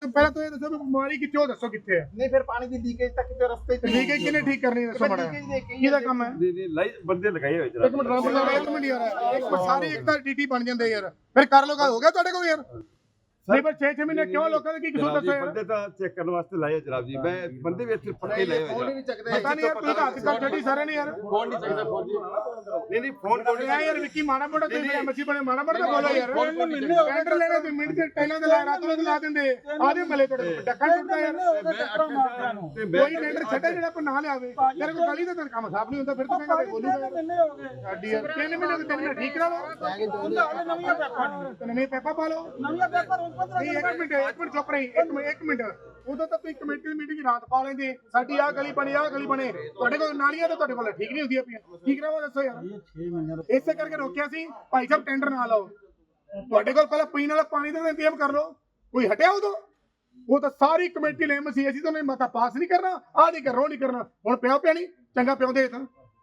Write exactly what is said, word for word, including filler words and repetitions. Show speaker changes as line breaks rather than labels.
ਪਹਿਲਾਂ ਤੁਸੀਂ ਦੱਸੋ ਵੀ ਬਿਮਾਰੀ ਕਿੱਥੇ ਉਹ ਦੱਸੋ ਕਿੱਥੇ ਹੈ
ਨਹੀਂ ਫਿਰ ਪਾਣੀ ਦੀ ਲੀਕੇਜ ਤਾਂ ਕਿਤੇ ਰਸਤੇ ਚ
ਲੀਕੇਜ ਕਿਹਨੇ ਠੀਕ ਕਰਨੀ ਦੱਸੋ ਮਾੜਾ ਕਿਹਦਾ ਕੰਮ ਹੈ
ਨਹੀਂ ਨਹੀਂ ਲਾਈ ਬੰਦੇ ਲਗਾਏ ਹੋਏ
ਇੱਕ ਮਿੰਟ ਰੱਬ ਦਾ ਇੱਕ ਮਿੰਟ ਯਾਰ ਇੱਕ ਮਿੰਟ ਸਾਰੇ ਇੱਕ ਤਾਂ ਡੀਟੀ ਬਣ ਜਾਂਦੇ ਯਾਰ ਫਿਰ ਕਰ ਲੋ ਹੋ ਗਿਆ ਤੁਹਾਡੇ ਕੋਲ ਯਾਰ ਨਹੀਂ ਪਰ ਛੇ ਛੇ ਮਹੀਨੇ ਕਿਉਂ ਲੋਕਾਂ ਦੇ ਕੀ ਕਸੂਰ ਦੱਸੋ ਯਾਰ
ਬੰਦੇ ਤਾਂ ਚੈੱਕ ਕਰਨ ਵਾਸਤੇ ਲਾਏ ਜਨਾਬ ਜੀ ਮੈਂ ਬੰਦੇ ਵੀ ਇੱਥੇ ਪੱਕੇ ਲਾਏ ਹੋਏ
ਫੋਨ ਹੀ ਨਹੀਂ ਚੱਕਦੇ
ਪਤਾ ਨਹੀਂ ਯਾਰ ਤੁਸੀਂ ਤਾਂ ਹੱਥ ਕਰ ਛੱਡੀ ਸਾਰੇ ਨੇ ਯਾਰ
ਫੋਨ ਨਹੀਂ ਚੱਕਦੇ ਫੋਨ ਜੀ
ਨਹੀਂ ਨਹੀਂ ਫੋਨ ਕੋਲ
ਯਾਰ ਯਾਰ ਵਿੱਕੀ ਮਾੜਾ ਮੋਟਾ ਤੁਸੀਂ ਐਮਸੀ ਬਣੇ ਮਾੜਾ ਮੋਟਾ ਬੋਲੋ ਯਾਰ ਟੈਂਡਰ ਲੈਣਾ ਤੇ ਮਿੰਟ ਦੇ ਟੈਲਾਂ ਦੇ ਲਾ ਰਾਤ ਨੂੰ ਲਾ ਦਿੰਦੇ ਆਦੇ ਮਲੇ ਤੁਹਾਡੇ ਡੱਕਾ ਟੁੱਟਦਾ ਯਾਰ ਕੋਈ ਟੈਂਡਰ ਛੱਡੇ ਜਿਹੜਾ ਕੋ ਨਾ ਲਿਆਵੇ ਤੇਰੇ ਕੋ ਗਲੀ ਦਾ ਤਾਂ ਕੰਮ ਸਾਫ ਨਹੀਂ ਹੁੰਦਾ ਫਿਰ ਤੂੰ ਕਹਿੰਦਾ ਬੋਲੂਗਾ ਸਾਡੀ ਯਾਰ ਤਿੰਨ ਮਹੀਨੇ ਦੇ ਤਿੰਨ ਮਹੀਨੇ ਠੀਕ ਕਰਾ ਲਓ
ਨਵੀਆਂ ਪੈਪਾਂ
ਨਵੇਂ ਪੈਪਾ ਪਾ ਲਓ
ਨਵੀਆਂ ਪੈਪਾਂ ਰੋਜ਼
ਨਹੀਂ ਇੱਕ ਮਿੰਟ ਇੱਕ ਮਿੰਟ ਚੁੱਪ ਰਹੀ ਇੱਕ ਮਿੰਟ ਇੱਕ ਮਿੰਟ ਉਦੋਂ ਤਾਂ ਤੁਸੀਂ ਕਮੇਟੀ ਦੀ ਮੀਟਿੰਗ ਰਾਤ ਪਾ ਲੈਂਦੇ ਸਾਡੀ ਆਹ ਗਲੀ ਬਣੀ ਆਹ ਗਲੀ ਬਣੇ ਤੁਹਾਡੇ ਕੋਲ ਨਾਲੀਆਂ ਤਾਂ ਤੁਹਾਡੇ ਕੋਲ ਠੀਕ ਨਹੀਂ ਹੁੰਦੀਆਂ ਪਈਆਂ ਕੀ ਕਰਾਵਾ ਦੱਸੋ ਯਾਰ ਇਸੇ ਕਰਕੇ ਰੋਕਿਆ ਸੀ ਭਾਈ ਸਾਹਿਬ ਟੈਂਡਰ ਨਾ ਲਾਓ ਤੁਹਾਡੇ ਕੋਲ ਪਹਿਲਾਂ ਪੀਣ ਵਾਲਾ ਪਾਣੀ ਦਾ ਇੰਤਜ਼ਾਮ ਕਰ ਲਓ ਕੋਈ ਹਟਿਆ ਉਦੋਂ ਉਹ ਤਾਂ ਸਾਰੀ ਕਮੇਟੀ ਲੈ ਮਸੀ ਅਸੀਂ ਤਾਂ ਨਹੀਂ ਮਤਾ ਪਾਸ ਨਹੀਂ ਕਰਨਾ ਆਹ ਨਹੀਂ ਕਰਨਾ ਉਹ ਨਹੀਂ ਕਰਨਾ ਹੁਣ ਪਿਓ ਪਿਆ ਨਹੀਂ ਚੰਗਾ ਪਿਉਂਦੇ ਤਾਂ